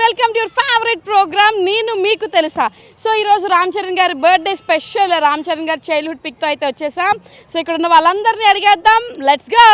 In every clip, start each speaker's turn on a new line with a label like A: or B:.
A: Welcome to your favourite program నేను మీకు తెలుసా. సో ఈరోజు రామ్ చరణ్ గారి బర్త్డే స్పెషల్. రామ్ చరణ్ గారి చైల్డ్హుడ్ పిక్తో అయితే వచ్చేసాం. సో ఇక్కడ ఉన్న వాళ్ళందరినీ అడిగేద్దాం. Let's go.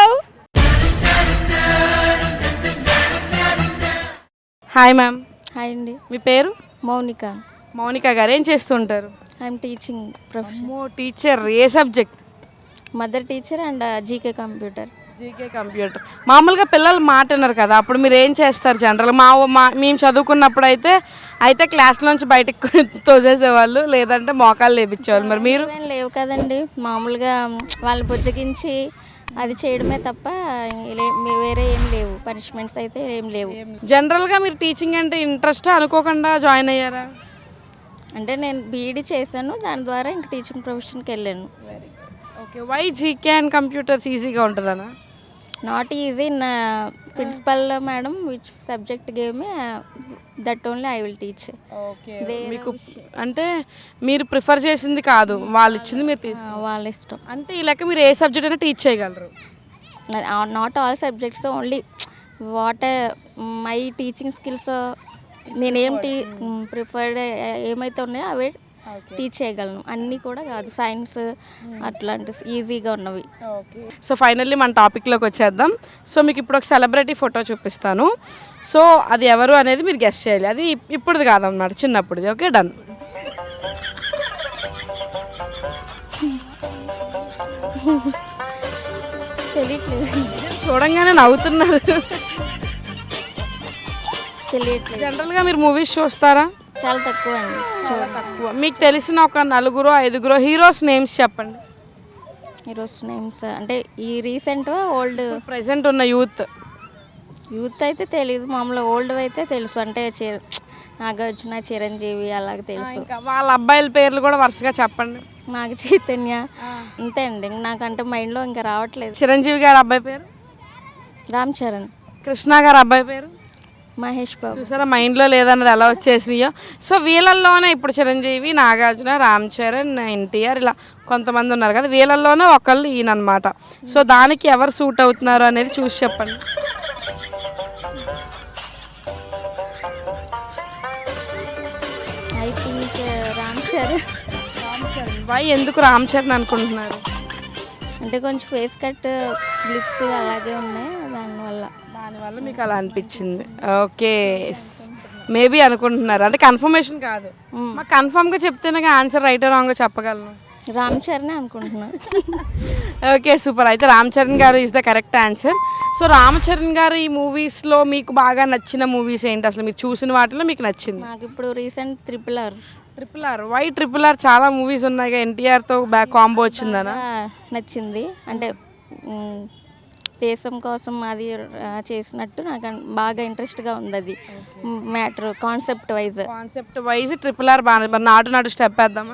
A: Hi ma'am.
B: Hi అండి.
A: మీ పేరు?
B: మౌనిక.
A: మౌనిక గారు ఏం చేస్తుంటారు?
B: I'm teaching profession.
A: టీచర్. ఏ subject?
B: Mother teacher and GK computer.
A: GK computer. మామూలుగా పిల్లలు మాట విన్నారు కదా, అప్పుడు మీరు ఏం చేస్తారు జనరల్? మేము చదువుకున్నప్పుడు అయితే క్లాస్లోంచి బయటకు తోసేసేవాళ్ళు, లేదంటే మోకాలు లేపించేవాళ్ళు. మరి మీరు?
B: లేవు కదండి, మామూలుగా వాళ్ళని బుజ్జగించి అది చేయడమే తప్ప వేరే ఏం లేవు, పనిష్మెంట్స్ అయితే ఏం లేవు.
A: జనరల్గా మీరు టీచింగ్ అంటే ఇంట్రెస్ట్ అనుకోకుండా జాయిన్ అయ్యారా?
B: అంటే నేను బీఈడీ చేశాను, దాని ద్వారా ఇంక టీచింగ్ ప్రొఫెషన్కి వెళ్ళాను.
A: Okay. Why GK and computers ఈజీగా ఉంటుందనా?
B: Not easy. నా principal madam which subject gave me that only I will teach.
A: Okay. మీకు అంటే మీరు ప్రిఫర్ చేసింది కాదు, వాళ్ళు ఇచ్చింది మీరు తీసుకున్నారు.
B: వాళ్ళ ఇష్టం.
A: అంటే ఈ లెక్క మీరు ఏ సబ్జెక్ట్ అయినా టీచ్ చేయగలరు?
B: Not all subjects, only what my teaching skills. నేనేం ప్రిఫర్డ్ ఏమైతే ఉన్నాయో అవే టీచ్ చేయగలను. అన్నీ కూడా కాదు, సైన్స్ అట్లాంటి ఈజీగా ఉన్నవి.
A: ఓకే. సో ఫైనల్లీ మన టాపిక్లోకి వచ్చేద్దాం. సో మీకు ఇప్పుడు ఒక సెలబ్రిటీ ఫోటో చూపిస్తాను. సో అది ఎవరు అనేది మీరు గెస్ చేయాలి. అది ఇప్పుడుది కాదన్నమాట, చిన్నప్పుడుది. Okay, done.
B: తెలియట్లేదు.
A: చూడంగానే నవ్వుతున్నారు.
B: తెలియట్లేదు.
A: జనరల్గా మీరు మూవీస్ చూస్తారా?
B: చాలా తక్కువ అండి.
A: చాలా తక్కువ. మీకు తెలిసిన ఒక 4-5 హీరోస్ నేమ్స్ చెప్పండి.
B: హీరోస్ నేమ్స్ అంటే ఈ రీసెంట్ ఓల్డ్?
A: ప్రెసెంట్ ఉన్న యూత్
B: అయితే తెలియదు, మామూలుగా ఓల్డ్ అయితే తెలుసు. అంటే నాగార్జున, చిరంజీవి అలాగే తెలుసు.
A: వాళ్ళ అబ్బాయిల పేర్లు కూడా వరుసగా చెప్పండి.
B: నాగ చైతన్య, అంతే అండి. నాకంటే మైండ్లో ఇంకా రావట్లేదు.
A: చిరంజీవి గారి అబ్బాయి పేరు?
B: రామ్ చరణ్.
A: కృష్ణ గారి అబ్బాయి పేరు?
B: మహేష్ బాబు.
A: చూసారా, మైండ్లో లేదన్నది ఎలా వచ్చేసినాయో. సో వీళ్ళల్లోనే ఇప్పుడు చిరంజీవి, నాగార్జున, రామ్ చరణ్, ఎన్టీఆర్ ఇలా కొంతమంది ఉన్నారు కదా, వీళ్ళల్లోనే ఒకళ్ళు ఈయనమాట. సో దానికి ఎవరు సూట్ అవుతున్నారు అనేది చూసి చెప్పండి.
B: I think Ram Charan.
A: Why, ఎందుకు రామ్ చరణ్ అనుకుంటున్నారు?
B: అంటే కొంచెం ఫేస్ కట్, లిప్స్ అలాగే ఉన్నాయి, దానివల్ల
A: మీకు అలా అనిపించింది. ఓకే, మేబీ అనుకుంటున్నారు, అంటే కన్ఫర్మేషన్ కాదు. మాకు కన్ఫర్మ్గా చెప్తేనే ఆన్సర్ రైట్ రాంగ్ చెప్పగలను.
B: రామ్ చరణ్ అనుకుంటున్నాను.
A: Okay, super. అయితే రామ్ చరణ్ గారు is the correct answer. So Ram Charan గారు ఈ మూవీస్లో మీకు బాగా నచ్చిన మూవీస్ ఏంటి? అసలు మీరు చూసిన వాటిలో మీకు నచ్చింది?
B: నాకు ఇప్పుడు recent triple R.
A: Why triple R? చాలా మూవీస్ ఉన్నాయి, ఎన్టీఆర్తో బ్యాక్ కాంబో వచ్చిందనా?
B: నచ్చింది. అంటే దేశం కోసం అది చేసినట్టు నాకు బాగా ఇంట్రెస్ట్గా ఉంది. అది matter concept wise
A: triple R బాగా. నాటు స్టెప్ వేద్దామా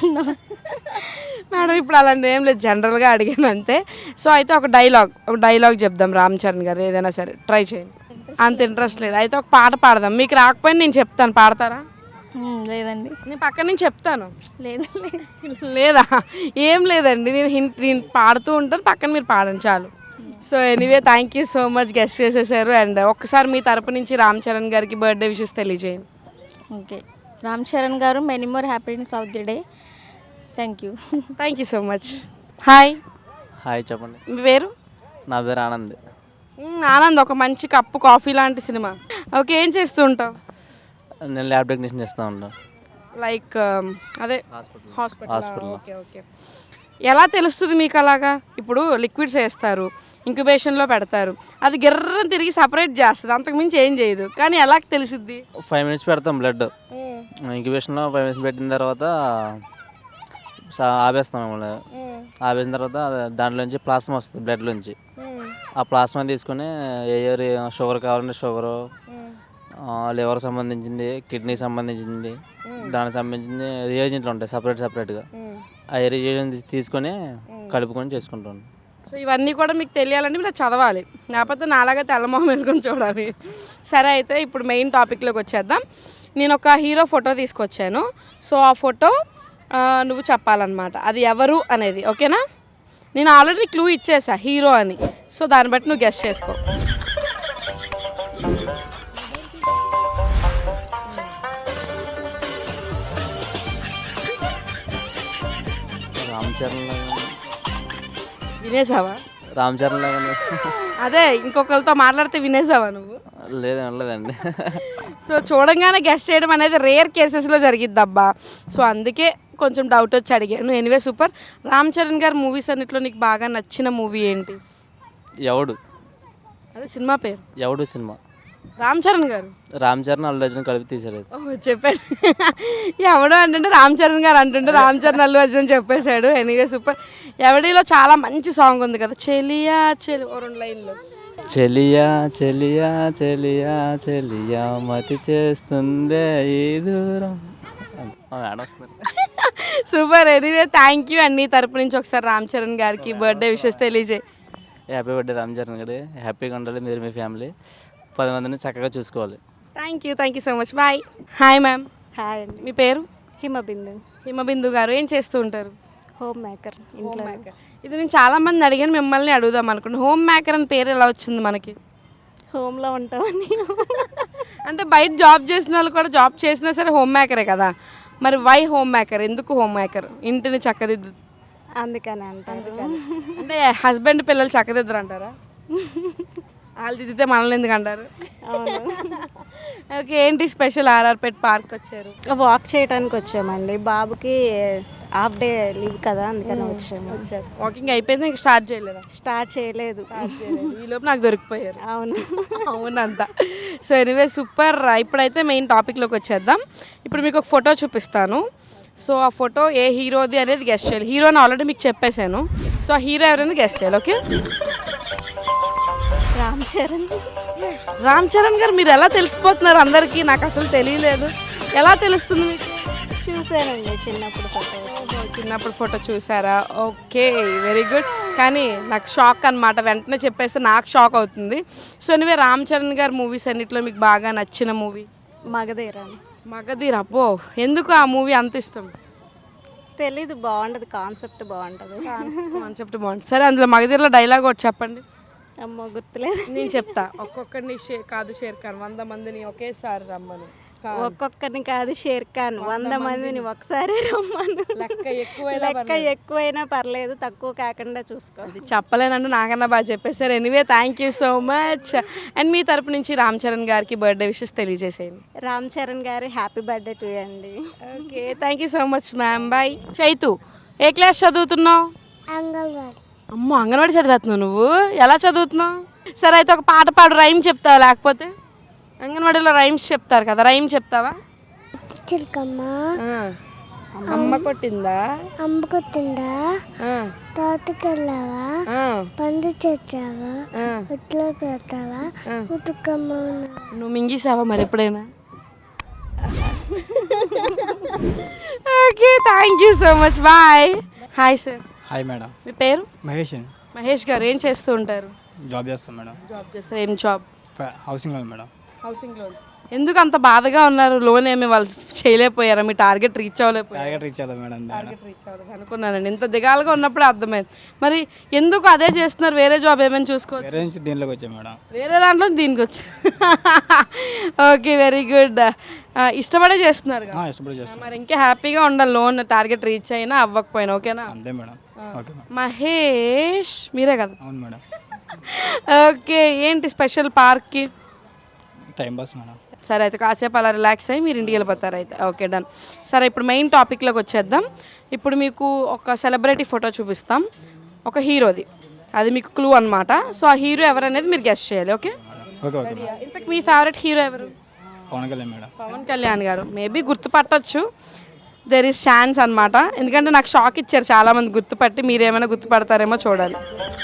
A: మేడం? ఇప్పుడు అలాంటి ఏం లేదు, జనరల్గా అడిగాను అంతే. సో అయితే ఒక డైలాగ్ చెప్దాం రామ్ చరణ్ గారు, ఏదైనా సరే ట్రై చేయండి. అంత ఇంట్రెస్ట్ లేదు, అయితే ఒక పాట పాడదాం. మీకు రాకపోయినా నేను చెప్తాను, పాడతారా?
B: లేదండి,
A: నేను పక్కన నుంచి చెప్తాను.
B: లేదా?
A: ఏం లేదండి, నేను పాడుతూ ఉంటాను, పక్కన మీరు పాడండి చాలు. So anyway, thank you so much, guess చేసేసారు. అండ్ ఒక్కసారి మీ తరపు నుంచి రామ్ చరణ్ గారికి బర్త్డే విషెస్ తెలియజేయండి.
B: ఓకే, రామ్ చరణ్ గారు many more happiness of the day. Thank you
A: so much. Hi.
C: చెప్పండి.
A: మీ పేరు?
C: నా పేరు ఆనంద్.
A: ఆనంద్, ఒక మంచి కప్పు కాఫీ లాంటి సినిమా. ఓకే, ఏం చేస్తూ ఉంటావు?
C: నేను ల్యాబ్ టెక్నీషియన్ చేస్తూ ఉంటాను.
A: లైక్ అదే హాస్పిటల్. ఓకే. ఎలా తెలుస్తుంది మీకు అలాగా? ఇప్పుడు లిక్విడ్స్ వేస్తారు, ఇంక్యుబేషన్లో పెడతారు, అది గిర్రని తిరిగి సపరేట్ చేస్తుంది, అంతకుమించి ఏం చేయదు, కానీ ఎలా తెలిసిద్ది?
C: 5 minutes పెడతాం బ్లడ్ ఇంక్యుబేషన్లో. 5 minutes పెట్టిన తర్వాత ఆపేస్తాం. మిమ్మల్ని ఆపేసిన తర్వాత దాంట్లోంచి ప్లాస్మా వస్తుంది బ్లడ్లోంచి. ఆ ప్లాస్మా తీసుకొని ఏ షుగర్ కావాలంటే షుగరు, లివర్ సంబంధించింది, కిడ్నీ సంబంధించింది, దానికి సంబంధించింది రియేజెంట్లు ఉంటాయి సపరేట్గా. ఆ రియేజెంట్ తీసుకొని కలుపుకొని చేసుకుంటాను.
A: సో ఇవన్నీ కూడా మీకు తెలియాలంటే మీరు చదవాలి, లేకపోతే నాలాగా తెల్లమొహం వేసుకొని చూడాలి. సరే, అయితే ఇప్పుడు మెయిన్ టాపిక్లోకి వచ్చేద్దాం. నేను ఒక హీరో ఫోటో తీసుకొచ్చాను. సో ఆ ఫోటో నువ్వు చెప్పాలన్నమాట, అది ఎవరు అనేది. ఓకేనా? నేను ఆల్రెడీ క్లూ ఇచ్చేసా హీరో అని. సో దాన్ని బట్టి నువ్వు గెస్ చేసుకో.
C: చరణ్ లాగా
A: వినేసావా?
C: రామ్ చరణ్ లాగా
A: అదే ఇంకొకరితో మాట్లాడితే వినేసావా నువ్వు?
C: లేదండి.
A: సో చూడంగానే గెస్ట్ చేయడం అనేది రేర్ కేసెస్లో జరిగిద్ది అబ్బా. సో అందుకే కొంచెం డౌట్ వచ్చి అడిగాను. Anyway super. రామ్ చరణ్ గారు మూవీస్ అన్నిట్లో నీకు బాగా నచ్చిన మూవీ ఏంటి?
C: ఎవడు
A: అదే సినిమా పేరు.
C: ఎవడు సినిమా
A: రామ్ చరణ్ గారు.
C: రామ్ చరణ్ అల్లు అర్జున్ కలిపి తీసారు.
A: ఓ చెప్పాడు. ఎవడో అంటుంటే రామ్ చరణ్ గారు అంటుంటే రామ్ చరణ్ అల్లు అర్జున్ చెప్పేశాడు. Anyway super. ఎవడిలో చాలా మంచి సాంగ్ ఉంది కదా, చెలియా చెలి, ఓ 2 లైన్లు.
C: చెలియా చెలియా చెలియా చెలియా మతి చేస్తుందే ఈ దూరం. మేడం వస్తున్నారు.
A: Super. Anyway thank you. And నీ తరపు నుంచి ఒకసారి రామ్ చరణ్ గారికి బర్త్డే విషెస్ తెలియజేయి.
C: హ్యాపీ బర్త్డే రామ్ చరణ్ గారు. హ్యాపీగా ఉండాలి మీరు, మీ ఫ్యామిలీ 10 మందిని చక్కగా చూసుకోవాలి.
A: Thank you so much. Bye. Hi ma'am.
D: Hi అండి.
A: మీ పేరు?
D: హిమబిందు.
A: హిమబిందు గారు. ఏం చేస్తూ ఉంటారు?
D: హోమ్ మేకర్ ఇంట్లో.
A: ఇది నేను చాలా మంది అడిగాను, మిమ్మల్ని అడుగుదాం అనుకుంటున్నాను. హోమ్ మేకర్ అని పేరు ఎలా వచ్చింది మనకి?
D: హోమ్లో ఉంటామని.
A: అంటే బయట జాబ్ చేసిన వాళ్ళు కూడా జాబ్ చేసినా సరే హోమ్ మేకరే కదా. మరి వై హోమ్ మేకర్? ఎందుకు హోమ్ మేకర్? ఇంటిని చక్కదిద్దు.
D: అందుకని అంటారు.
A: అంటే హస్బెండ్ పిల్లలు చక్కదిద్దరు అంటారా? వాళ్ళు దిద్దితే మనల్ని ఎందుకు అంటారు?
D: అవును.
A: ఓకే. ఏంటి స్పెషల్ ఆర్ఆర్పేట్ పార్క్ వచ్చారు?
D: వాక్ చేయడానికి వచ్చామండి. బాబుకి హాఫ్ డే లీవ్ కదా, అందుకని వచ్చాము.
A: వాకింగ్ అయిపోయింది, ఇంకా స్టార్ట్ చేయలేదా?
D: స్టార్ట్ చేయలేదు.
A: ఈ లోపు నాకు దొరికిపోయారు.
D: అవును.
A: అవునంట. So anyway super. ఇప్పుడైతే మెయిన్ టాపిక్లోకి వచ్చేద్దాం. ఇప్పుడు మీకు ఒక ఫోటో చూపిస్తాను. సో ఆ ఫోటో ఏ హీరోది అనేది గెస్ట్ చేయాలి. హీరోని ఆల్రెడీ మీకు చెప్పేశాను. సో ఆ హీరో ఎవరైనా గెస్ట్ చేయాలి. ఓకే.
D: రామ్ చరణ్.
A: రామ్ చరణ్ గారు. మీరు ఎలా తెలిసిపోతున్నారు అందరికీ? నాకు అసలు తెలియలేదు. ఎలా తెలుస్తుంది మీకు?
D: చూసానండి చిన్నప్పుడు ఫోటో.
A: చిన్నప్పుడు ఫోటో చూసారా? Okay, very good. కానీ నాకు షాక్ అనమాట. వెంటనే చెప్పేస్తే నాకు షాక్ అవుతుంది. సో ఎనివే రామ్ చరణ్ గారు మూవీస్ అన్నిట్లో మీకు బాగా నచ్చిన మూవీ?
D: మగధీరా.
A: మగధీర. అబ్బో, ఎందుకు ఆ మూవీ అంత ఇష్టం?
D: తెలీదు, బాగుంటుంది. కాన్సెప్ట్ బాగుంటుంది.
A: కాన్సెప్ట్ బాగుంటుంది. సరే, అందులో మగధీరలో డైలాగ్ ఒకటి చెప్పండి.
D: అమ్మో గుర్తులేదు.
A: నేను చెప్తా. ఒక్కొక్కరిని కాదు షేర్ ఖాన్ 100 మందిని ఒకేసారి రమ్మను.
D: ఒక్కొక్కరిని కాదు షేర్ ఖాన్ 100 మందిని ఒకసారి రమ్మను. లెక్క ఎక్కువైనా పర్లేదు, తక్కువ కాకుండా చూసుకోవాలి.
A: చెప్పలేనంటే నాకన్నా బాగా చెప్పేశారు. Anyway thank you so much. And మీ తరపు నుంచి రామ్ చరణ్ గారికి బర్త్డే విషెస్ తెలియజేసేయండి.
D: రామ్ చరణ్ గారు హ్యాపీ బర్త్డే టు అండి.
A: Okay, thank you so much ma'am. Bye. Chaitu, ఏ క్లాస్ చదువుతున్నావు?
B: అంగన్వాడీ.
A: అమ్మో, అంగన్వాడీ చదివేస్తున్నావు నువ్వు? ఎలా చదువుతున్నావు? సరే అయితే ఒక పాట పాడు, రైమ్ చెప్తావా? లేకపోతే అంగన్వాడీలో రైమ్స్ చెప్తారు కదా, రైమ్ చెప్తావా?
B: చిలకమ్మ
A: అమ్మ కొట్టిందా,
B: అమ్మ కొట్టిందా, తోటకెళ్ళావా, పండు చేసావా, ఉట్లో పెడతావా, ఉతుకమ్మ.
A: నువ్వు మింగేసావా మరి ఎప్పుడైనా? Okay, thank you so much. Bye. Hi sir.
E: Hi madam.
A: మీ పేరు?
E: మహేష్.
A: మహేష్ గారు. ఏం చేస్తూ ఉంటారు?
E: జాబ్ చేస్తాం మేడం.
A: జాబ్ చేస్తారు. ఏం job?
E: Housing loan madam.
A: Housing loans. ఎందుకు అంత బాధగా ఉన్నారు? లోన్ ఏమి వాళ్ళు చేయలేకపోయారా? మీ టార్గెట్ రీచ్ అవ్వలేకపోయారు?
E: టార్గెట్ రీచ్ అవ్వలేదు మేడం.
A: టార్గెట్ రీచ్ అవ్వలేదు అనుకున్నానండి. ఇంత దిగాలుగా ఉన్నప్పుడే అర్థమైంది. మరి ఎందుకు అదే చేస్తున్నారు? వేరే జాబ్ ఏమైనా చూసుకోవచ్చు.
E: వేరే నుంచి దీనిలోకి వచ్చాం మేడం.
A: వేరే దాంట్లో దీనికి వచ్చా. Okay, very good. ఇష్టపడే చేస్తున్నారు కదా?
E: ఇష్టపడి చేస్తాం.
A: మరి ఇంకా హ్యాపీగా ఉండాలి, లోన్ టార్గెట్ రీచ్ అయినా అవ్వకపోయినా. ఓకేనా?
E: అంతే మేడం. Okay madam.
A: మహేష్ మీరే కదా?
E: అవును మేడం.
A: ఓకే, ఏంటి స్పెషల్ పార్క్కి?
E: Time pass madam.
A: సరే అయితే కాసేపు అలా రిలాక్స్ అయ్యి మీరు ఇంటికి వెళ్ళిపోతారు అయితే. Okay, done. సరే, ఇప్పుడు మెయిన్ టాపిక్లోకి వచ్చేద్దాం. ఇప్పుడు మీకు ఒక సెలబ్రిటీ ఫోటో చూపిస్తాం, ఒక హీరోది. అది మీకు క్లూ అనమాట. సో ఆ హీరో ఎవరనేది మీరు గెస్ట్ చేయాలి. ఓకే?
E: Okay okay.
A: ఇంతకు మీ ఫేవరెట్ హీరో ఎవరు?
E: పవన్ కళ్యాణ్ మేడం.
A: పవన్ కళ్యాణ్ గారు. మేబీ గుర్తుపట్టచ్చు, దెర్ ఈస్ ఛాన్స్ అనమాట. ఎందుకంటే నాకు షాక్ ఇచ్చారు చాలామంది గుర్తుపట్టి. మీరేమైనా గుర్తుపడతారేమో చూడాలి.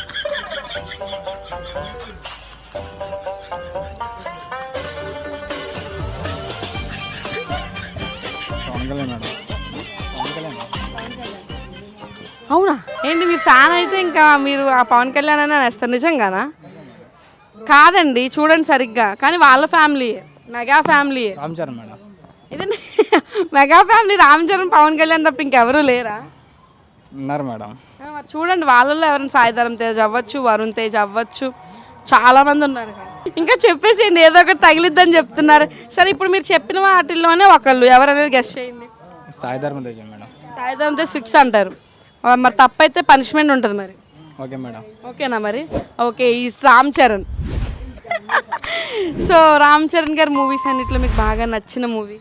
E: పవన్ కళ్యాణ్ మేడం. పవన్ కళ్యాణ్.
A: అవునా? ఏంటి మీరు ఫ్యాన్ అయితే ఇంకా మీరు ఆ పవన్ కళ్యాణ్ అని అనేస్తారు? నిజంగానా? కాదండి, చూడండి సరిగ్గా. కానీ వాళ్ళ family mega family.
E: Ram Charan madam.
A: ఇదే మెగా ఫ్యామిలీ. రామ్ చరణ్ పవన్ కళ్యాణ్ తప్ప ఇంకెవరు లేరా?
E: ఉన్నారు మేడం.
A: మరి చూడండి, వాళ్ళల్లో ఎవరైనా సాయిధరం తేజ్ అవ్వచ్చు, వరుణ్ తేజ్ అవ్వచ్చు, చాలామంది ఉన్నారు. ఇంకా చెప్పేసేయండి, ఏదో ఒకటి తగిలిద్దని చెప్తున్నారు. సరే, ఇప్పుడు మీరు చెప్పిన వాటిల్లోనే ఒకళ్ళు ఎవరనేది గెస్ట్ చేయండి.
E: సాయిధర్మ తేజ మేడం.
A: సాయిధరం తేజ్ ఫిక్స్ అంటారు. మరి తప్పైతే పనిష్మెంట్ ఉంటుంది మరి.
E: Okay madam.
A: ఓకేనా మరి? ఓకే, ఈ రామ్ చరణ్. సో రామ్ చరణ్ గారి మూవీస్ అన్నిట్లో మీకు బాగా నచ్చిన movie?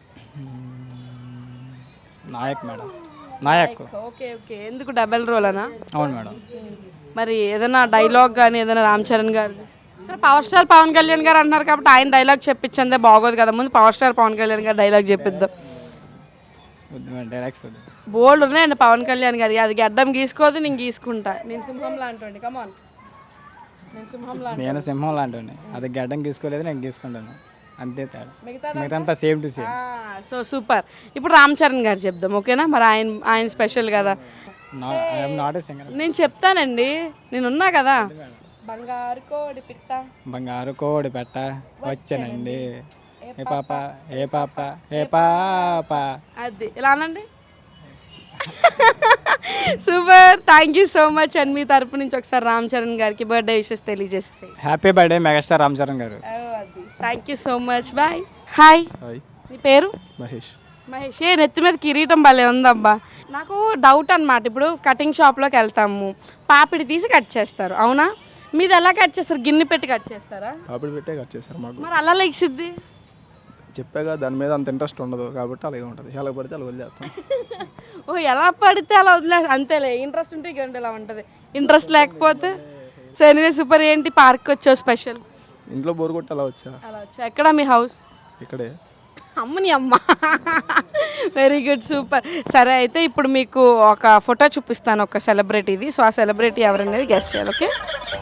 E: Nayak madam. Nayak.
A: Okay okay, ఎందుకు డబల్ రోల్ అనా?
E: అవును మేడం.
A: మరి ఏదైనా డైలాగ్ కానీ ఏదైనా రామ్ చరణ్ గారు? సరే, పవర్ స్టార్ పవన్ కళ్యాణ్ గారు అంటున్నారు కాబట్టి ఆయన డైలాగ్ చెప్పించందే బాగోదు కదా, ముందు పవర్ స్టార్ పవన్ కళ్యాణ్ గారు డైలాగ్ చెప్పిద్దాం.
E: వద్దు మేడం, డైలాగ్స్ వద్దు.
A: బోల్డ్ ఉన్నాయండి పవన్ కళ్యాణ్ గారి. అది గడ్డం గీసుకోదు, నేను గీసుకుంటా. నేను సింహం లాంటి కమాన్, నేను సింహం లాంటి.
E: నేను సింహం లాంటివాడిని, అది గడ్డం గీసుకోలేదు, నేను గీసుకుంటాను, అంతే తేడా. మిగతా same to same.
A: So super. ఇప్పుడు రామ్ చరణ్ గారు చెప్దాం, ఓకేనా? మరి ఆయన స్పెషల్ కదా.
E: I'm not a singer.
A: నేను చెప్తానండి, నేను ఉన్నా కదా. బంగారు కోడి పిట్ట,
E: బంగారు కోడి పెట్ట వచ్చానండి, ఏ పాప ఏ పాప ఏ పాప.
A: అది ఇలా అనండి. Super, thank you so much. And మీ తరపు నుంచి ఒకసారి రామ్ చరణ్ గారికి బర్త్డే విషెస్ తెలియజేసేసాయి.
E: Happy birthday megastar Ram Charan గారు.
A: Thank you so much, bye. Hi, నీ పేరు?
E: మహేష్.
A: మహేష్. ఏ నెత్తి మీద కిరీటం భలే ఉందబ్బా. నాకు డౌట్ అనమాట. ఇప్పుడు కటింగ్ షాప్లోకి వెళ్తాము, పాపిడి తీసి కట్ చేస్తారు, అవునా? మీది ఎలా కట్ చేస్తారు? గిన్నె పెట్టి కట్ చేస్తారా?
F: పాపిడి పెట్టే కట్ చేస్తారు మాకు.
A: మరి అలా లెగిసిద్ది?
F: చెప్పాగా దాని మీద అంత ఇంట్రెస్ట్ ఉండదు కాబట్టి అలాగే ఉంటుంది. ఎలా పడితే అలా వదిలేస్తాం.
A: ఓ, ఎలా పడితే అలా వదిలే, అంతేలే. ఇంట్రెస్ట్ ఉంటే గంట ఇలా ఉంటుంది, ఇంట్రెస్ట్ లేకపోతే. So anyway super. ఏంటి పార్క్ వచ్చావు స్పెషల్?
F: ఇంట్లో బోర్ కొట్టి అలా వచ్చా.
A: అలా వచ్చా. ఎక్కడ మీ హౌస్?
F: ఇక్కడే.
A: అమ్మని అమ్మ. Very good, super. సరే, అయితే ఇప్పుడు మీకు ఒక ఫోటో చూపిస్తాను, ఒక సెలబ్రిటీది. సో ఆ సెలబ్రిటీ ఎవరనేది గెస్ట్ చేయాలి, ఓకే?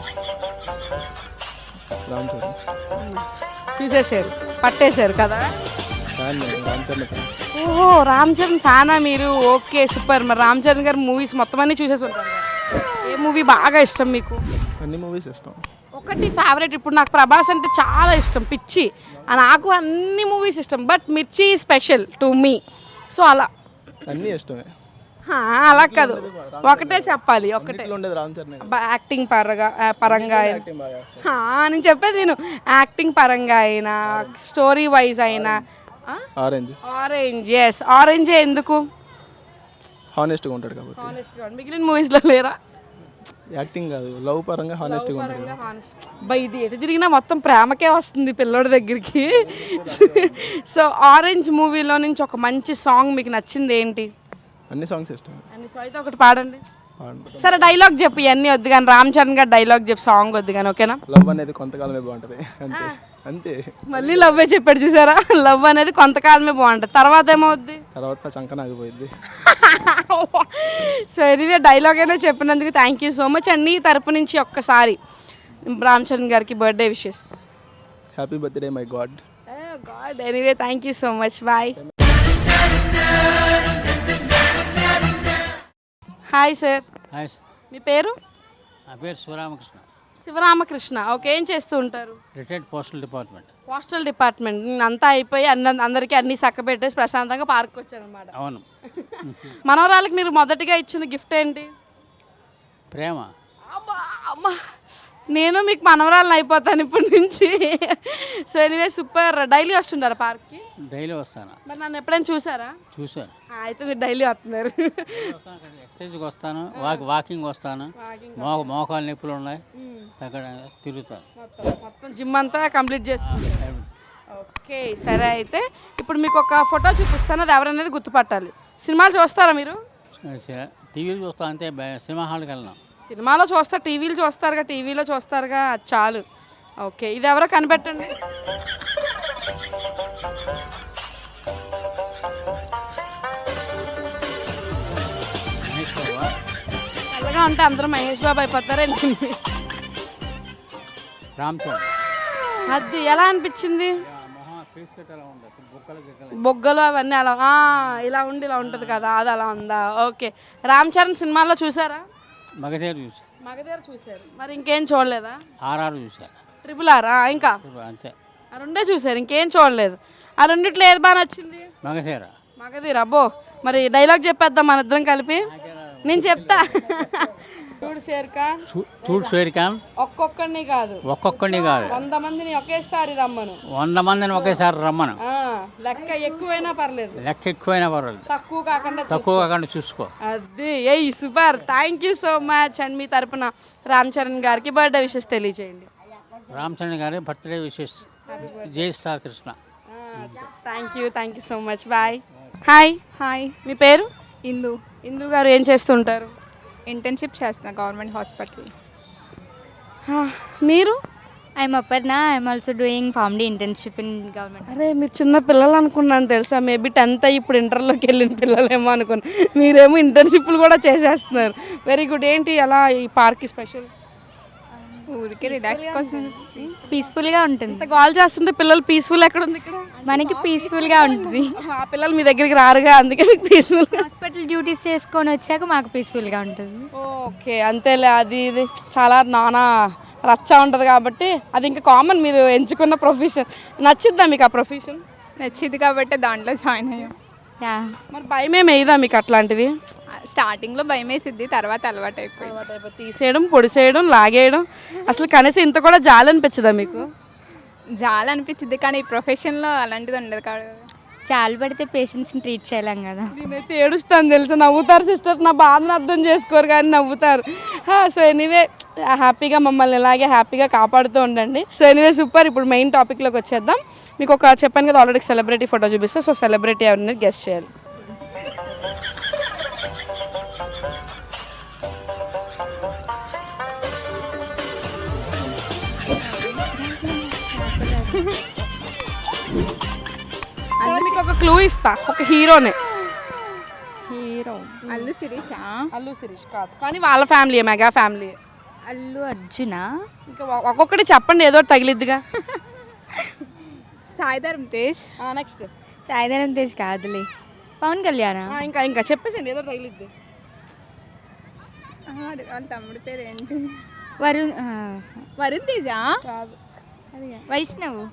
F: రామ్ చరణ్.
A: చూసేసారు, పట్టేశారు కదా.
F: ఫ్యాన్ నేను, రామ్ చరణ్ ఫ్యాన్.
A: ఓహో, రామ్ చరణ్ ఫ్యానా మీరు? Okay super. మరి రామ్ చరణ్ గారి మూవీస్ మొత్తం అన్నీ చూసేసి ఉంటారు కదా. ఏ మూవీ బాగా ఇష్టం మీకు?
F: అన్ని మూవీస్ ఇష్టం.
A: ఒకటి ఫేవరెట్. ఇప్పుడు నాకు ప్రభాస్ అంటే చాలా ఇష్టం, పిచ్చి. నాకు అన్ని మూవీస్ ఇష్టం, బట్ మిర్చి స్పెషల్ టు మీ. సో అలా
F: అన్నీ ఇష్టమే.
A: అలా కాదు, ఒకటే చెప్పాలి. ఒకటే
F: ఉండేది రామ్ చరణ్.
A: యాక్టింగ్ పరంగా నేను చెప్పేది నేను. యాక్టింగ్ పరంగా అయినా, స్టోరీ వైజ్ అయినా.
F: ఆరెంజ్.
A: Orange, yes. ఆరెంజే ఎందుకు?
F: హానెస్ట్గా ఉంటాడు కాబట్టి.
A: హానెస్ట్గా. మిగిలిన మూవీస్లో లేరా?
F: యాక్టింగ్ కాదు, లవ్ పరంగా హానెస్ట్గా ఉంటాడు.
A: బై ఇది ఎటు తిరిగినా మొత్తం ప్రేమకే వస్తుంది పిల్లోడి దగ్గరికి. సో ఆరెంజ్ మూవీలో నుంచి ఒక మంచి సాంగ్ మీకు నచ్చింది ఏంటి?
F: అన్ని సాంగ్స్ ఇష్టం.
A: అన్ని సాంగ్ అయితే ఒకటి పాడండి. సరే, డైలాగ్ చెప్పు. ఇవన్నీ వద్దు కానీ, రామ్ చరణ్ గారు డైలాగ్ చెప్పు, సాంగ్ వద్దు కానీ, ఓకేనా?
F: లవ్ అనేది కొంతకాలమే బాగుంటుంది, అంతే అంతే.
A: మళ్ళీ లవ్వే చెప్పాడు చూసారా. లవ్ అనేది కొంతకాలమే బాగుంటుంది, తర్వాత ఏమవుద్ది?
F: తర్వాత చంకన ఆగిపోయింది.
A: సో ఇది డైలాగ్ అయినా చెప్పినందుకు thank you so much. And నీ తరపు నుంచి ఒక్కసారి రామ్ చరణ్ గారికి birthday wishes.
F: Happy birthday my god.
A: God. Anyway thank you so much, bye. Hi sir.
G: Hi,
A: మీ పేరు?
G: నా పేరు శివరామకృష్ణ.
A: శివరామకృష్ణ. ఓకే, ఏం చేస్తూ ఉంటారు?
G: Retired postal department.
A: Postal department. అంతా అయిపోయి అందరికీ అన్ని చక్కబెట్టేసి ప్రశాంతంగా పార్క్ వచ్చారనమాట.
G: అవును.
A: మనవరాలకి మీరు మొదటిగా ఇచ్చిన గిఫ్ట్ ఏంటి?
G: ప్రేమ.
A: అబ్బా, అమ్మా, నేను మీకు మనవరాలను అయిపోతాను ఇప్పటి నుంచి. So anyway super. డైలీ వస్తుంటారా పార్క్కి?
G: డైలీ వస్తాను.
A: మరి నన్ను ఎప్పుడైనా చూసారా?
G: చూశాను.
A: అయితే మీరు డైలీ వస్తున్నారు.
G: ఎక్సర్సైజ్కి వస్తాను, వాకింగ్ వస్తాను. మోకాలు నొప్పులు ఉన్నాయి, అక్కడ తిరుగుతాను.
A: మొత్తం జిమ్ అంతా కంప్లీట్ చేస్తాను. ఓకే సరే, అయితే ఇప్పుడు మీకు ఒక ఫోటో చూపిస్తాను, అది ఎవరనేది గుర్తుపట్టాలి. సినిమాలు చూస్తారా మీరు?
G: టీవీలు చూస్తాను అంతే, సినిమా హాల్కి వెళ్ళాం.
A: సినిమాలో చూస్తారు, టీవీలు చూస్తారుగా, టీవీలో చూస్తారుగా, అది చాలు. ఓకే, ఇది ఎవరో కనిపెట్టండి. చల్లగా ఉంటే అందరూ మహేష్ బాబు అయిపోతారండి.
G: రామ్ చరణ్.
A: అది ఎలా అనిపించింది? బొగ్గలు అవన్నీ అలా ఇలా ఉండి ఇలా ఉంటుంది కదా, అది అలా ఉందా? ఓకే. రామ్ చరణ్ సినిమాల్లో చూసారా?
G: మగధీర చూసాను.
A: మగధీర చూసారు, మరి ఇంకేం చూడలేదా?
G: ఆర్ఆర్ చూసాను.
A: RRR ఇంకా
G: అంతే,
A: ఆ రెండే చూసారు, ఇంకేం చూడలేదు. ఆ రెండిట్లో ఏది బాగా నచ్చింది?
G: మగధీర.
A: మగధీర. అబ్బో, మరి డైలాగ్ చెప్పేద్దాం మన ఇద్దరం కలిపి. నేను చెప్తా. చూడు షేర్ ఖాన్,
G: చూడు షేర్ ఖాన్
A: ఒక్కొక్కడిని కాదు
G: ఒక్కొక్కడిని కాదు
A: 100 మందిని ఒకేసారి రమ్మను.
G: 100 మందిని ఒకేసారి రమ్మను.
A: ఆ, లెక్క ఎక్కువైనా పర్లేదు,
G: లెక్క ఎక్కువైనా పర్వాలేదు,
A: తక్కువ కాకుండా
G: తక్కువ కాకుండా చూసుకో.
A: అది ఏయ్ super. Thank you so much. And మీ తరపున రామ్ చరణ్ గారికి బర్త్డే విషెస్ తెలియజేయండి.
G: రామచంద్ర గారి బర్త్డే విషెస్. జై star Krishna.
A: Thank you so much. Bye. Hi.
H: Hi,
A: మీ పేరు?
H: ఇందు.
A: ఇందు గారు ఏం చేస్తుంటారు?
H: ఇంటర్న్షిప్ చేస్తున్నా గవర్నమెంట్ హాస్పిటల్.
A: మీరు?
B: I'm Aparna. I'm also doing PharmD internship in government.
A: అరే మీరు చిన్న పిల్లలు అనుకున్నాను తెలుసా, మేబీ 10th అయ్యి ఇప్పుడు ఇంటర్లోకి వెళ్ళిన పిల్లలేమో అనుకున్నాను. మీరేమో ఇంటర్న్షిప్లు కూడా చేసేస్తున్నారు. Very good. ఏంటి అలా ఈ పార్క్ స్పెషల్?
H: ఊరికే రిలాక్స్ కోసం.
B: పీస్ఫుల్గా ఉంటుంది.
A: ఇంత కాల్ చేస్తుంటే పిల్లలు పీస్ఫుల్ ఎక్కడ ఉంది ఇక్కడ?
B: మనకి పీస్ఫుల్గా ఉంటుంది.
A: ఆ పిల్లలు మీ దగ్గరికి రారుగా, అందుకే మీకు పీస్ఫుల్.
B: హాస్పిటల్ డ్యూటీస్ చేసుకొని వచ్చాక మాకు పీస్ఫుల్గా ఉంటుంది.
A: ఓకే అంతేలే. అది ఇది చాలా నానా రచ్చ ఉంటుంది కాబట్టి అది ఇంకా కామన్. మీరు ఎంచుకున్న ప్రొఫెషన్ నచ్చిద్దా మీకు? ఆ ప్రొఫెషన్
H: నచ్చింది కాబట్టి దాంట్లో జాయిన్ అయ్యాం.
B: యా.
A: మరి భయం ఏమి వేయదా మీకు అట్లాంటివి?
H: స్టార్టింగ్లో భయం వేసిద్ది, తర్వాత అలవాటు అయిపోయింది.
A: తీసేయడం, పొడిసేయడం, లాగేయడం, అసలు కనీసం ఇంత కూడా జాలి అనిపించదా మీకు?
H: చాలా అనిపించింది, కానీ ఈ ప్రొఫెషన్లో అలాంటిది ఉండదు కాదు.
B: చాలు పడితే పేషెంట్స్ని ట్రీట్ చేయలేం కదా.
A: నేనైతే ఏడుస్తాను తెలుసా. నవ్వుతారు సిస్టర్స్, నా బాధను అర్థం చేసుకోరు కానీ నవ్వుతారు. సో ఎనీవే హ్యాపీగా మమ్మల్ని ఇలాగే హ్యాపీగా కాపాడుతూ ఉండండి. So anyway super. ఇప్పుడు మెయిన్ టాపిక్లోకి వచ్చేద్దాం. మీకు ఒక చెప్పాను కదా ఆల్రెడీ సెలబ్రిటీ ఫోటో చూపిస్తే, సో సెలబ్రిటీ ఎవరిని గెస్ట్ చేయాలి. అంటే మీకు ఒక క్లూ ఇస్తా, ఒక హీరోనే.
H: హీరో అల్లు శిరీష.
A: అల్లు శిరీష్ కాదు, కానీ వాళ్ళ family, mega family.
B: Allu Arjuna.
A: ఇంకా ఒక్కొక్కటి చెప్పండి, ఏదో ఒకటి తగిలిద్దిగా.
H: సాయిధరం తేజ్.
A: నెక్స్ట్
B: సాయిధరం తేజ్ కాదులే, పవన్ కళ్యాణ్.
A: ఇంకా ఇంకా చెప్పేసండి, ఏదో ఒకటి తగిలిద్ది.
H: వాళ్ళ తమ్ముడి పేరు ఏంటి?
B: వరుణ్
H: వరుణ్ తేజ.
A: కాదు,
B: వైష్ణవ్.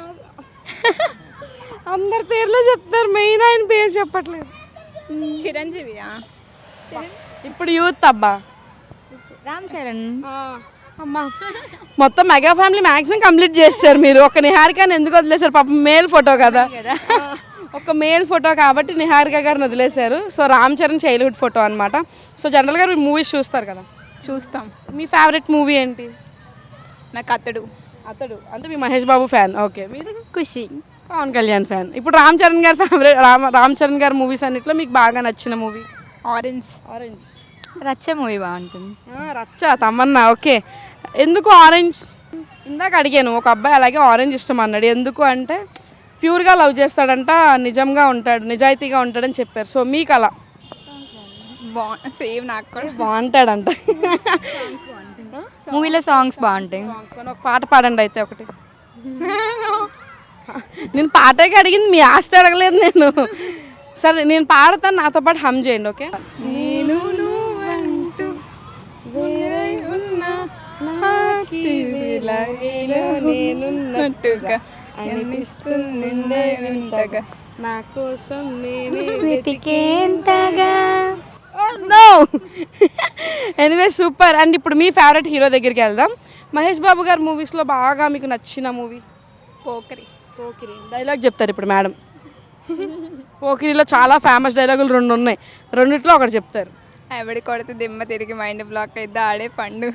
A: అందరి పేర్లు చెప్తారు, మెయిన్ ఆయన పేరు చెప్పట్లేదు.
H: చిరంజీవియా?
A: ఇప్పుడు యూత్ అబ్బా.
B: రామ్ చరణ్.
A: అమ్మా మొత్తం మెగా ఫ్యామిలీ మ్యాక్సిమం కంప్లీట్ చేస్తారు మీరు. ఒక నిహారికని ఎందుకు వదిలేశారు? పాపం మేల్ ఫోటో కదా, ఒక మేల్ ఫోటో కాబట్టి నిహారిక గారిని వదిలేశారు. So Ram Charan childhood photo అనమాట. సో జనరల్గా మీరు మూవీస్ చూస్తారు కదా.
H: చూస్తాం.
A: మీ ఫేవరెట్ మూవీ ఏంటి?
H: నాకు అతడు.
A: అతడు అంటే మీ మహేష్ బాబు ఫ్యాన్. ఓకే. మీరు?
B: ఖుషి.
A: పవన్ కళ్యాణ్ ఫ్యాన్. ఇప్పుడు రామ్ చరణ్ గారి ఫేవరెట్, రామ్ చరణ్ గారి మూవీస్ అన్నిట్లో మీకు బాగా నచ్చిన movie?
H: Orange.
A: Orange.
B: Racha movie బాగుంటుంది.
A: రచ్చ, తమన్నా. ఓకే. ఎందుకు ఆరెంజ్? ఇందాక అడిగాను, ఒక అబ్బాయి అలాగే ఆరెంజ్ ఇష్టం అన్నాడు. ఎందుకు అంటే ప్యూర్గా లవ్ చేస్తాడంట, నిజంగా ఉంటాడు, నిజాయితీగా ఉంటాడని చెప్పారు. సో మీకు అలా?
H: సేమ్ నాకు కూడా
A: బాగుంటాడంట.
B: మూవీలో సాంగ్స్ బాగుంటాయి.
A: ఒక పాట పాడండి అయితే ఒకటి. నేను పాటకి అడిగింది, మీ ఆస్తి అడగలేదు నేను. సరే నేను పాడతాను, నాతో పాటు హమ్ చేయండి. ఓకే. నేను నువ్వంటూ వేరై ఉన్నా, నేనున్నట్టుగా అనిపిస్తుంది వింతగా, నా కోసం నేనే
B: వెతికేంతగా.
A: నో. Anyway super. అండ్ ఇప్పుడు మీ ఫేవరెట్ హీరో దగ్గరికి వెళ్దాం. మహేష్ బాబు గారి మూవీస్లో బాగా మీకు నచ్చిన మూవీ?
H: పోకరి.
A: పోకిరి. డైలాగ్ చెప్తారు ఇప్పుడు మేడం. పోకిరిలో చాలా ఫేమస్ డైలాగులు 2 ఉన్నాయి, రెండిట్లో ఒకటి చెప్తారు.
H: ఎవడి కొడితే దిమ్మ తిరిగి మైండ్ బ్లాక్ అయితే ఆడే పండు.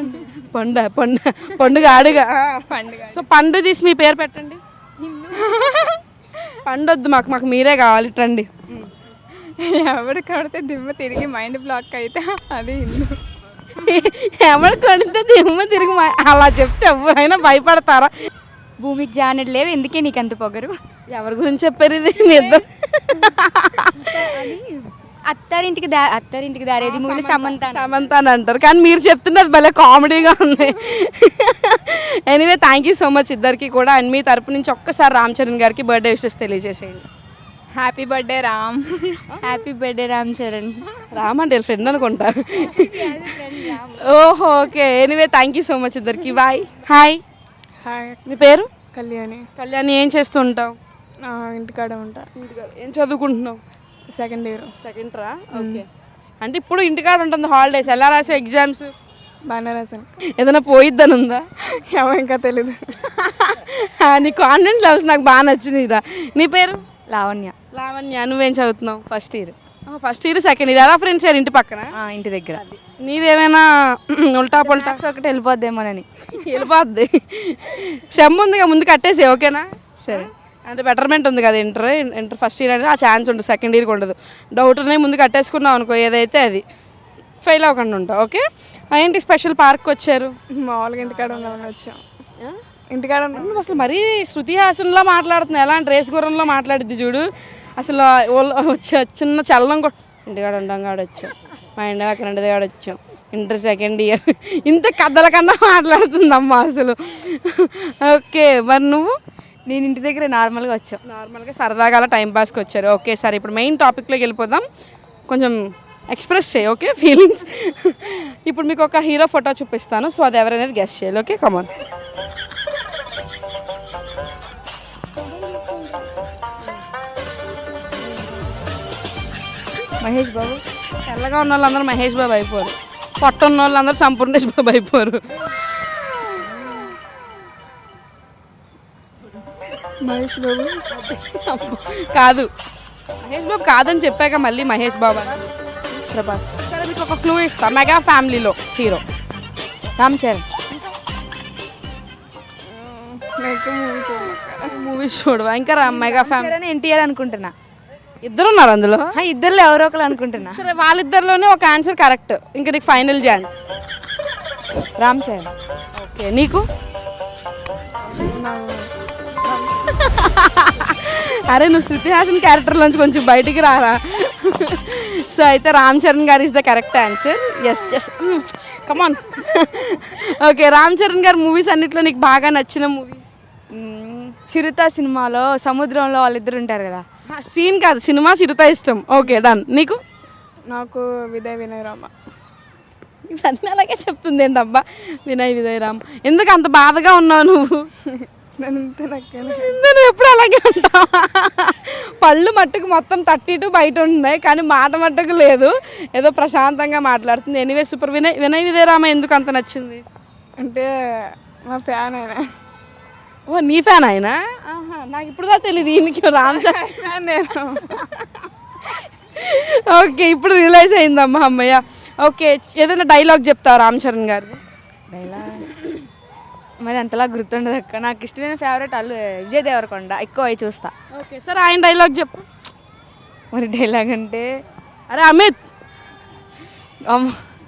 A: పండుగ ఆడుగా.
H: పండుగ.
A: సో పండు తీసి మీ పేరు పెట్టండి. పండొద్దు, మాకు మీరే కావాలి. రండి.
H: ఎవడు కొడితే దిమ్మ తిరిగి మైండ్ బ్లాక్ అయితే అది హిందూ.
A: ఎవరు కొడితే దిమ్మ తిరిగి అలా చెప్తే ఎవరైనా భయపడతారా?
B: భూమికి జానడు లేవు, ఎందుకే నీకు అంత పొగరు?
A: ఎవరి గురించి చెప్పారు ఇది? మీ ఇద్దరు
B: అత్తారింటికి దారేది మూవీలో
A: సమంత అని అంటారు, కానీ మీరు చెప్తున్నది భలే కామెడీగా ఉంది. Anyway thank you so much ఇద్దరికి కూడా. అండ్ మీ తరపు నుంచి ఒక్కసారి రామ్ చరణ్ గారికి బర్త్డే విషెస్ తెలియజేసేయండి.
H: Happy birthday Ram.
B: Happy birthday Ram Charan.
A: Ram అంటే ఫ్రెండ్ అనుకుంటా. ఓహో okay. Anyway thank you so much ఇద్దరికి. బాయ్. హాయ్.
I: హాయ్.
A: మీ పేరు?
I: కళ్యాణి.
A: కళ్యాణి. ఏం చేస్తుంటావు?
I: ఇంటికాడ ఉంటా.
A: ఏం చదువుకుంటున్నావు?
I: Second year.
A: సెకండ్ రా. ఓకే. అంటే ఇప్పుడు ఇంటికాడ ఉంటుంది హాలిడేస్, ఎలా రాసే ఎగ్జామ్స్?
H: బాగానే రాశాను.
A: ఏదైనా పోయిద్దని ఉందా?
H: ఏమో ఇంకా తెలీదు.
A: నీ కాన్ఫిడెన్స్ లెవెల్స్ నాకు బాగా నచ్చినాయిరా. నీ పేరు?
H: లావణ్య.
A: లావణ్య. నువ్వేం చదువుతున్నావు?
H: First year.
A: First year second year. ఎలా ఫ్రెండ్స్ యారు ఇంటి పక్కన?
H: ఇంటి దగ్గర.
A: నీదేమైనా ఉల్టా పొల్టా?
H: ఒకటి వెళ్ళిపోద్దేమోనని.
A: వెళ్ళిపోద్ది. సెమ్ ఉందిగా, ముందు కట్టేసి ఓకేనా?
H: సరే.
A: అంటే బెటర్మెంట్ ఉంది కదా, ఇంటర్ ఫస్ట్ ఇయర్ అనేది ఆ ఛాన్స్ ఉంటుంది, సెకండ్ ఇయర్కి ఉండదు. డౌట్ ఉన్నాయి ముందు కట్టేసుకున్నావు అనుకో, ఏదైతే అది ఫెయిల్ అవ్వకుండా ఉంటావు. ఓకే. ఏంటి స్పెషల్ పార్క్ వచ్చారు?
H: మామూలుగా ఇంటికాడ ఉన్నామని వచ్చాం. ఇంటికాడ ఉన్నాం.
A: నువ్వు అసలు మరీ శృతి హాసన్లో మాట్లాడుతున్నావు, ఎలా అంటే రేస్ గుర్రంలో మాట్లాడిద్ది చూడు. అసలు చిన్న చలనం కూడా ఇంటికాడ ఉండం కాడ వచ్చాం, మా ఇంటి అక్కడ ఇంటి దగ్గర వచ్చాం, ఇంటర్ సెకండ్ ఇయర్, ఇంత కథల కన్నా మాట్లాడుతుందమ్మా అసలు. ఓకే, మరి నువ్వు?
H: నేను ఇంటి దగ్గర నార్మల్గా వచ్చాం.
A: నార్మల్గా సరదాగా అలా టైంపాస్కి వచ్చారు. ఓకే, సరే ఇప్పుడు మెయిన్ టాపిక్లోకి వెళ్ళిపోదాం. కొంచెం ఎక్స్ప్రెస్ చేయి, ఓకే, ఫీలింగ్స్. ఇప్పుడు మీకు ఒక హీరో ఫోటో చూపిస్తాను, సో అది ఎవరనేది గెస్ట్ చేయాలి. Okay, come on.
H: మహేష్ బాబు.
A: తెల్లగా ఉన్న వాళ్ళందరూ మహేష్ బాబు అయిపోరు, పొట్ట ఉన్న వాళ్ళందరూ సంపూర్ణేష్ బాబు అయిపోరు.
H: మహేష్ బాబు
A: కాదు, మహేష్ బాబు కాదని చెప్పాక మళ్ళీ మహేష్ బాబు అని.
H: ప్రభాస్.
A: సరే మీకు ఒక క్లూ ఇస్తా, మెగా ఫ్యామిలీలో హీరో.
H: రామ్ చరణ్.
A: మూవీస్ చూడవా? ఇంకా మెగా ఫ్యామిలీ.
H: ఎన్టీఆర్ అనుకుంటున్నా.
A: ఇద్దరు ఉన్నారు అందులో.
H: ఇద్దరులో ఎవరో ఒకరు అనుకుంటున్నా.
A: సరే వాళ్ళిద్దరిలోనే ఒక ఆన్సర్ కరెక్ట్, ఇంకా నీకు final chance.
H: Ram Charan.
A: Okay, నీకు? అరే నువ్వు శృతి హాసన్ క్యారెక్టర్లోంచి కొంచెం బయటికి రారా. సో అయితే రామ్ చరణ్ గారు is the correct answer. Yes yes, come on. Okay, Ram Charan గారు మూవీస్ అన్నిట్లో నీకు బాగా నచ్చిన మూవీ?
H: చిరుత సినిమాలో సముద్రంలో వాళ్ళిద్దరు ఉంటారు కదా.
A: సీన్ కాదు, సినిమా చిరుత ఇష్టం. Okay, done. నీకు?
H: నాకు వినయ్ రామ.
A: ఇవన్నీ అలాగే చెప్తుంది ఏంటబ్బా, వినయ్ రామ్. ఎందుకు అంత బాధగా ఉన్నావు నువ్వు? నేను ఎప్పుడు అలాగే ఉంటావు. పళ్ళు మట్టుకు మొత్తం 32 బయట ఉన్నాయి, కానీ మాట మట్టుకు లేదు, ఏదో ప్రశాంతంగా మాట్లాడుతుంది. Anyway super. వినయ్ రామ ఎందుకు అంత నచ్చింది?
H: అంటే మా ఫ్యాన్ ఆయన.
A: ఓ నీ ఫ్యాన్ ఆయన? నాకు ఇప్పుడు దా తెలియదు ఈయనకి రామ్ చరణ్. ఓకే, ఇప్పుడు రియలైజ్ అయిందమ్మా, అమ్మయ్య. ఓకే, ఏదైనా డైలాగ్ చెప్తావా రామ్ చరణ్ గారు?
H: డైలాగ్ మరి అంతలా గుర్తుండదు అక్క. నాకు ఇష్టమైన ఫేవరెట్ విజయ్ దేవరకొండ, ఎక్కువ అవి చూస్తా.
A: ఓకే, సరే ఆయన డైలాగ్ చెప్పు.
H: మరి డైలాగ్ అంటే
A: అరే అమిత్,
H: అమ్మ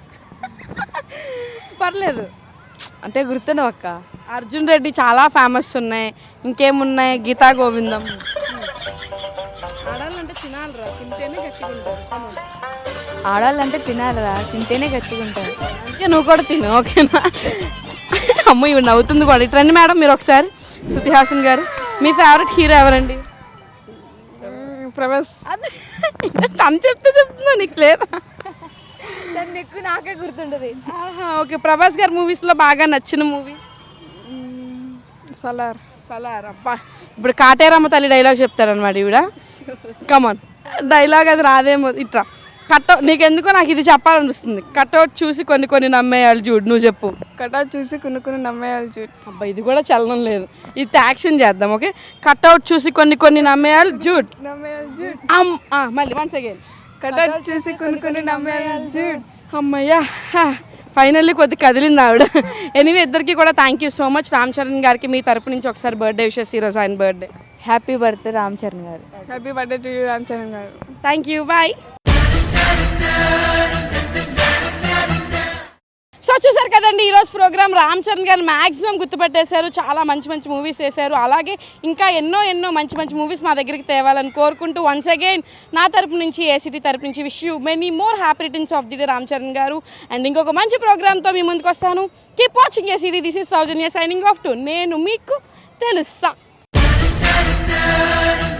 A: పర్లేదు,
H: అంటే గుర్తుండవు అక్క.
A: అర్జున్ రెడ్డి చాలా ఫేమస్ ఉన్నాయి, ఇంకేమున్నాయి? గీతా గోవిందం. ఆడాలంటే తినాలిరా, తింటేనే గట్టిగా ఉంటారు.
H: ఆడాలంటే తినాలిరా, తింటేనే గట్టిగా ఉంటారు.
A: అందుకే నువ్వు కూడా తిను, ఓకేనా? అమ్మ ఇవి నవ్వుతుంది కూడా. ఇట్రండి మేడం మీరు ఒకసారి. శృతి హాసన్ గారు, మీ ఫేవరెట్ హీరో ఎవరండి?
H: ప్రభాస్.
A: తను చెప్తున్నా, నీకు లేదా?
H: ఎక్కువ నాకే గుర్తుండదు.
A: ఓకే, ప్రభాస్ గారు మూవీస్లో బాగా నచ్చిన మూవీ?
H: సలార్.
A: సలార్. అబ్బా, ఇప్పుడు కాటేరమ్మ తల్లి డైలాగ్ చెప్తారనమాట ఈవిడ. కమాన్, డైలాగ్ అది రాదేమో. ఇట్లా కట్అవుట్, నీకెందుకో నాకు ఇది చెప్పాలనిపిస్తుంది. కట్అవుట్ చూసి కొన్ని నమ్మేయాలి చూడు, నువ్వు చెప్పు.
H: కట్అవుట్ చూసి కొన్ని నమ్మేయాలి చూడు.
A: అబ్బా, ఇది కూడా చలనం లేదు, ఇది యాక్షన్ చేద్దాం. ఓకే, కట్అవుట్ చూసి కొన్ని నమ్మేయాలి జూడ్. మళ్ళీ వన్స్ అగైన్.
H: కట్అవుట్ చూసి కొన్ని నమ్మేయాలి చూడు.
A: అమ్మయ్యా, ఫైనల్లీ కొద్ది కదిలింది ఆవిడ. ఎనీవే ఇద్దరికి కూడా thank you so much. Ram Charan గారికి మీ తరపు నుంచి ఒకసారి బర్త్డే విషెస్, ఈరోజు ఆయన birthday.
H: Happy birthday Ram Charan గారు. Happy birthday to you Ram Charan గారు.
A: Thank you, bye. సో చూసారు కదండి ఈరోజు ప్రోగ్రామ్. రామ్ చరణ్ గారు మ్యాక్సిమం గుర్తుపెట్టేశారు, చాలా మంచి మూవీస్ చేశారు. అలాగే ఇంకా ఎన్నో మంచి మూవీస్ మా దగ్గరికి తేవాలని కోరుకుంటూ వన్స్ అగైన్ నా తరపు నుంచి, ఏసీటీ తరపు నుంచి wish you many more happy returns of the day Ram Charan గారు. అండ్ ఇంకొక మంచి ప్రోగ్రామ్తో మీ ముందుకు వస్తాను. Keep watching ACT. This is Soujanya signing off టు నేను మీకు తెలుసా.